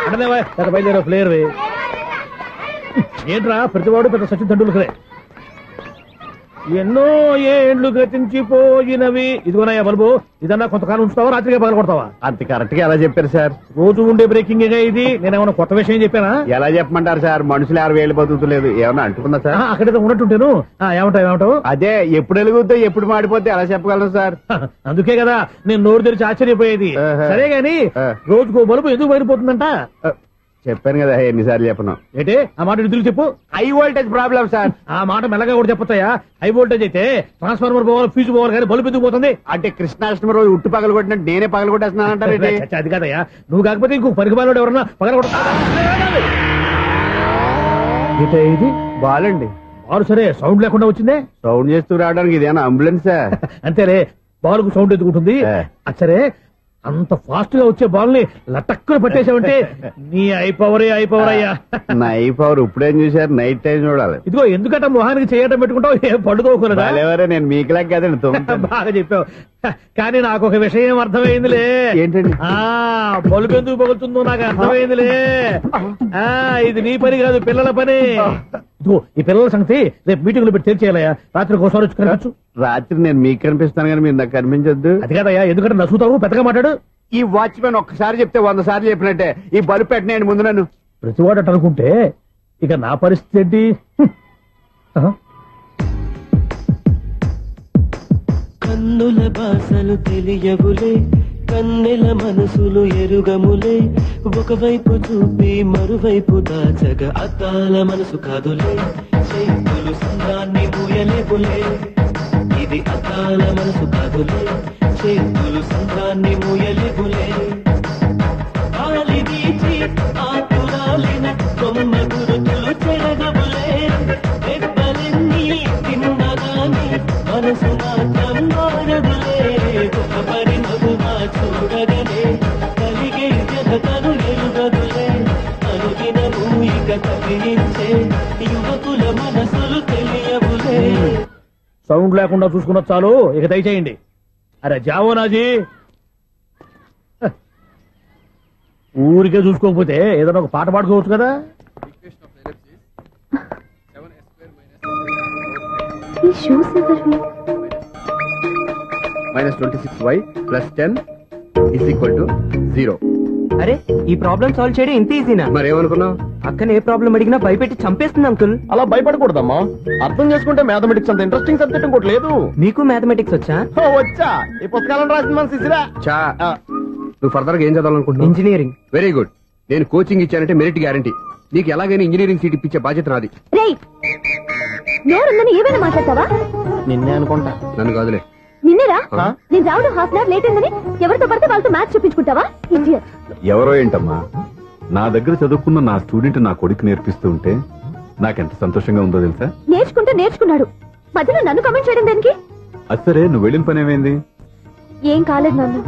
బయలుదేరా player ఏంట్రా ప్రతివాడు పెద్ద సచిన్ తెండూల్కరే. ఎన్నో ఏండ్లు గతించిపోయినవి. ఇదిగోనయ్యా బల్బు, ఇదన్నా కొంతకాలం ఉంచుతావా రాత్రిగా పగల కొడతావా? అంత కరెక్ట్ గా ఎలా చెప్పారు సార్? రోజు ఉండే బ్రేకింగ్ ఇది. నేనేమన్నా కొత్త విషయం చెప్పానా? ఎలా చెప్పమంటారు సార్? మనుషులు 60 బతుకుతలేదు, ఏమన్నా అంటున్నా సార్? అక్కడైతే ఉన్నట్టుంటాను. ఏమంటావు? అదే ఎప్పుడు వెలుగుతో ఎప్పుడు మాడిపోతే ఎలా చెప్పగలను సార్? అందుకే కదా నేను నోరు తెరిచి ఆశ్చర్యపోయేది. సరే గాని రోజుకో బల్బు ఎందుకు బయటపోతుందంట? చెప్పాను కదా ఎన్నిసార్లు చెప్పను. ఏంటి ఆ మాట నిధులు చెప్పు. High voltage problem sir. ఆ మాట మెల్లగా కూడా చెప్పొచ్చాయా? హై వోల్టేజ్ అయితే ట్రాన్స్ఫార్మర్ పోవాలి, ఫ్యూజ్ పోవాలి, కానీ బల్బు ఎందుకు పోతుంది? అంటే కృష్ణాష్టమి రోజు ఉట్టు పగల కొట్టినట్టు నేనే పగల కొట్టేస్తున్నానంటారు. అది కాదయ్యా, నువ్వు కాకపోతే ఇంకో పరిగబాలు ఎవరన్నా పగల కొడతా. ఇది బాలండి. బాలు సరే సౌండ్ లేకుండా వచ్చిందే. సౌండ్ చేస్తూ రావడానికి ఇదేనా అంబులెన్స్? అంతేలే, బాలుకు సౌండ్ ఎత్తుకుంటుంది. సరే అంత ఫాస్ట్ గా వచ్చే బాల్ ని లటక్కులు పట్టేసావంటే నీ ఐపవర్ అయ్యా. నా ఐపవర్ ఇప్పుడేం చూసారు? నైట్ టైం చూడాలి. ఇదిగో ఎందుకంటే మొహానికి చేయటం పెట్టుకుంటావు, ఏం పడుకోకూడదా? నేను మీకులా కదండి. బాగా చెప్పావు. కానీ నాకు ఒక విషయం అర్థమైందిలే. ఏంటండి? బల్బు ఎందుకు పగులుతుందో నాకు అర్థమైందిలే. ఇది నీ పని కాదు, పిల్లల పని. ఇదిగో ఈ పిల్లల సంగతి రేపు మీటింగ్ లో పెట్టి తెలిసేయాలయ్యా. రాత్రి ఒకసారి వచ్చి కనిపించు. రాత్రి నేను మీకు కనిపిస్తాను కానీ మీరు నాకు కనిపించొద్దు. అది కాదయ్యా, ఎందుకంటే నసుతావు, పెద్దగా మాట్లాడు. ఈ వాచ్మెన్ ఒక్కసారి చెప్తే 100 సార్లు చెప్పినట్టే. ఈ బల్బు పెట్టినాయండి ముందు నన్ను. ప్రతివాడట అనుకుంటే ఇక నా పరిస్థితి ఏంటి? కన్నుల భాషలు తెలియవులే, కన్నెల మనసులు ఎరుగములే. ఒకవైపు చూపి మరువైపు దాచగ అద్దాల మనసు కాదులే. చేతులు సంద్రాన్ని మూయలేవులే, ఇది అద్దాల మనసు కాదులే. చేతులు సంద్రాన్ని మూయలేవులే. గాలి వీచి ఆతురాలిన కొమ్మ గురుతులు చెరగవులే. దెబ్బలెన్ని తిన్నగాని మనసు మాత్రం మారదులే. ఒక పరిమగుమా చూడగనే కలిగే జగతను ఎరుగదులే. అనుదినము ఇక కదిలించే యువకుల మనసులు తెలియవులే. సౌండ్ లేకుండా చూసుకున్న చాలు, ఇక దయచేయండి. అరే జావో నాజీ, ఊరికే చూసుకోకపోతే ఏదైనా ఒక పాట పాడుకోవచ్చు కదా. -26y + 10 = 0. అరే ఈ ప్రాబ్లం సాల్వ్ చేయడం ఇంత ఈజీనా? మరేమనుకున్నావు? అక్కనే ఏ ప్రాబ్లం అడిగినా భయపెట్టి చంపేస్తుంది అంకుల్. అలా భయపడకూడదమ్మా. అర్థం చేసుకుంటే మ్యాథమెటిక్స్ అంత ఇంట్రెస్టింగ్ సబ్జెక్ట్ ఇంకోటి లేదు. మీకు మ్యాథమెటిక్స్ వచ్చా? వచ్చా, ఈ పుస్తకాలను రాసిన మన శిశిరా. నువ్వు ఫర్దర్ గా ఏం చదవాలనుకుంటున్నావు? ఇంజనీరింగ్. Very good. నేను కోచింగ్ ఇచ్చానంటే మెరిట్ గ్యారంటీ. నీకు ఎలాగైనా ఇంజనీరింగ్ సీట్ ఇప్పించే బాధ్యత నాది. ఏమైనా మాట్లాడతావా? నిన్నే అనుకుంటా. నన్ను కాదులే. నిన్నేరా? నేను రావడం హాఫ్ అన్ అవర్ లేట్ అయిందని ఎవరితో పడితే వాళ్ళతో మ్యాచ్ చూపించుకుంటావా? ఎవరో ఏంటమ్మా, నా దగ్గర చదువుకున్న నా స్టూడెంట్ నా కొడుకు నేర్పిస్తూ ఉంటే నాకెంత సంతోషంగా ఉందో తెలుసా? నేర్చుకుంటే నేర్చుకున్నాడు, మధ్యలో నన్ను కమెంట్ చేయడం దానికి? అది సరే, నువ్వు వెళ్ళిన పని ఏమైంది? ఏం కాలేదు నాన్న.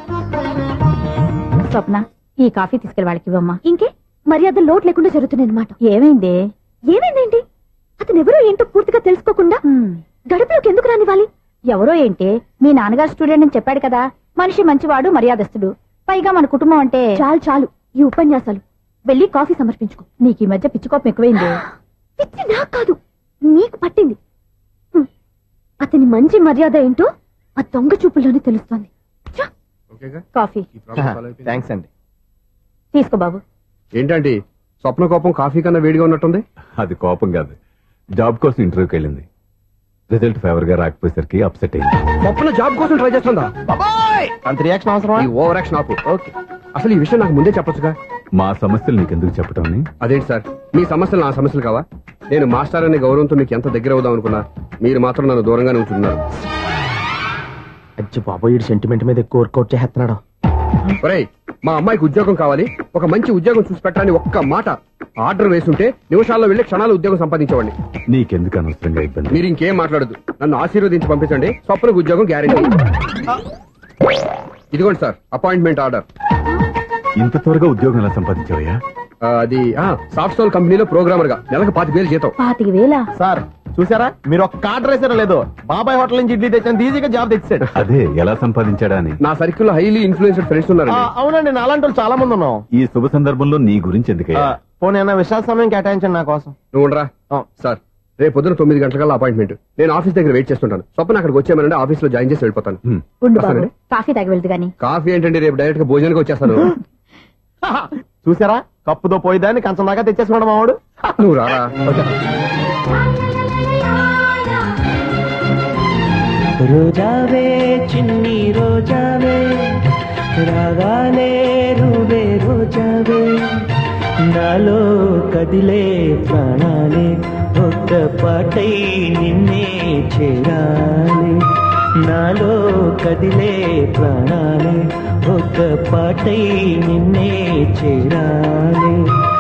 స్వప్న, ఈ కాఫీ తీసుకెళ్ళి వాళ్ళకి ఇవ్వమ్మా. ఇంకే మర్యాద లోటు లేకుండా జరుగుతున్నాయి అనమాట. ఏమైంది? ఏమైందేంటి? అతను ఎవరో ఏంటో పూర్తిగా తెలుసుకోకుండా గడపలోకి ఎందుకు రానివ్వాలి? ఎవరో ఏంటి, మీ నాన్నగారు స్టూడెంట్ అని చెప్పాడు కదా. మనిషి మంచివాడు, మర్యాదస్తుడు, పైగా మన కుటుంబం అంటే. చాలు చాలు ఈ ఉపన్యాసాలు. వెళ్ళి కాఫీ సమర్పించుకో. నీకు ఈ మధ్య పిచ్చికోపం ఎక్కువైంది. పిచ్చి నాకు కాదు, నీకు పట్టింది. అతని మంచి మర్యాద ఏంటో ఆ దొంగ చూపుల్లోనే తెలుస్తోంది. కాఫీ థ్యాంక్స్ అండి. తీసుకో బాబు. ఏంటండి స్వప్న కోపం కాఫీ కన్నా వేడిగా ఉన్నట్టుంది? అది కోపం కాదు, జాబ్ కోసం ఇంటర్వ్యూకి వెళ్ళింది. రిజల్ట్ ఫేవర్ గా రాకపోయేసరికి అప్సెట్ అయింది. స్వప్న జాబ్ కోసం ట్రై చేస్తుందా? అంత రియాక్షన్ అవసరం? ఈ ఓవర్ యాక్షన్ ఆపు. ఓకే, అసలు ఈ విషయం నాకు ముందే చెప్పొచ్చుగా. మా సమస్యలు నీకెందుకు చెప్పటం? అదేంటి సార్, మీ సమస్యలు నా సమస్యలు కావా? నేను మాస్టర్ అనే గౌరవంతో మీకు ఎంత దగ్గర అవుదాం అనుకున్నా, మీరు మాత్రం నన్ను దూరంగానే ఉంటున్నారు. అజ్జి బాబోయ్, సెంటిమెంట్ మీద ఎక్కువ వర్కౌట్ చేస్తున్నాడు. ఒరేయ్, మా అమ్మాయికి ఉద్యోగం కావాలి, ఒక మంచి ఉద్యోగం చూసి పెట్టాలని ఒక్క మాట ఆర్డర్ వేస్తుంటే నిమిషాల్లో వెళ్లి క్షణాలు ఉద్యోగం సంపాదించేవాడిని. నీకెందుకు అనవసరంగా ఇబ్బంది? మీరు ఇంకేం మాట్లాడదు, నన్ను ఆశీర్వదించి పంపించండి. స్వప్నకు ఉద్యోగం గ్యారెంటీ. ఇదిగోండి సార్ అపాయింట్మెంట్ ఆర్డర్. ఇంత త్వరగా ఉద్యోగం ఎలా సంపాదించావయ్యా? అది సాఫ్ట్వేర్ కంపెనీలో ప్రోగ్రామర్ గా నెలకు 25,000 జీతం. 25,000? సార్ చూసారా మీరు ఒక కార్డు రేసారో లేదో బాబాయ్ హోటల్ నుంచి ఇడ్లీ తెచ్చాను ఈజీగా జాబ్ తెచ్చాడు. అదే ఎలా సంపాదించాడా అని. నా సర్కిల్ లో హైలీ ఇన్ఫ్లుయెన్స్డ్ ఫ్రెండ్స్ ఉన్నారు. అవునండి నాలాంటి వాళ్ళు చాలా మంది ఉన్నాం. ఈ శుభ సందర్భంలో నీ గురించి ఎందుకయ్యా? పోనీ అన్న విశాల సమయం కేటాయించండి నా కోసం. నువ్వు ఉండరా. సార్ రేపు పొద్దున 9 గంటల అపాయింట్మెంట్. నేను ఆఫీస్ దగ్గర వెయిట్ చేస్తుంటాను. స్వప్న అక్కడికి వచ్చేయమనంటే ఆఫీస్ లో జాయిన్ చేసి వెళ్ళిపోతాను. ఉండు బాబు వస్తానండి. కాఫీ తాగి వెళ్దు గాని. కాఫీ ఏంటండి, రేపు డైరెక్ట్ గా భోజనానికి వచ్చేస్తాను. చూసారా కప్పుతో పోయిదాన్ని కంచం దాకా తెచ్చేసుకున్నాడు మావాడు. నువ్వు రారా. రోజావే చిన్ని రోజావే రాగానే రూవే రోజావే నాలో కదిలే ప్రాణాలే ఒక్క పాటై నిన్నే చేరాలి. నాలో కదిలే ప్రాణాలే ఒక్క పాటై నిన్నే చేరాలి.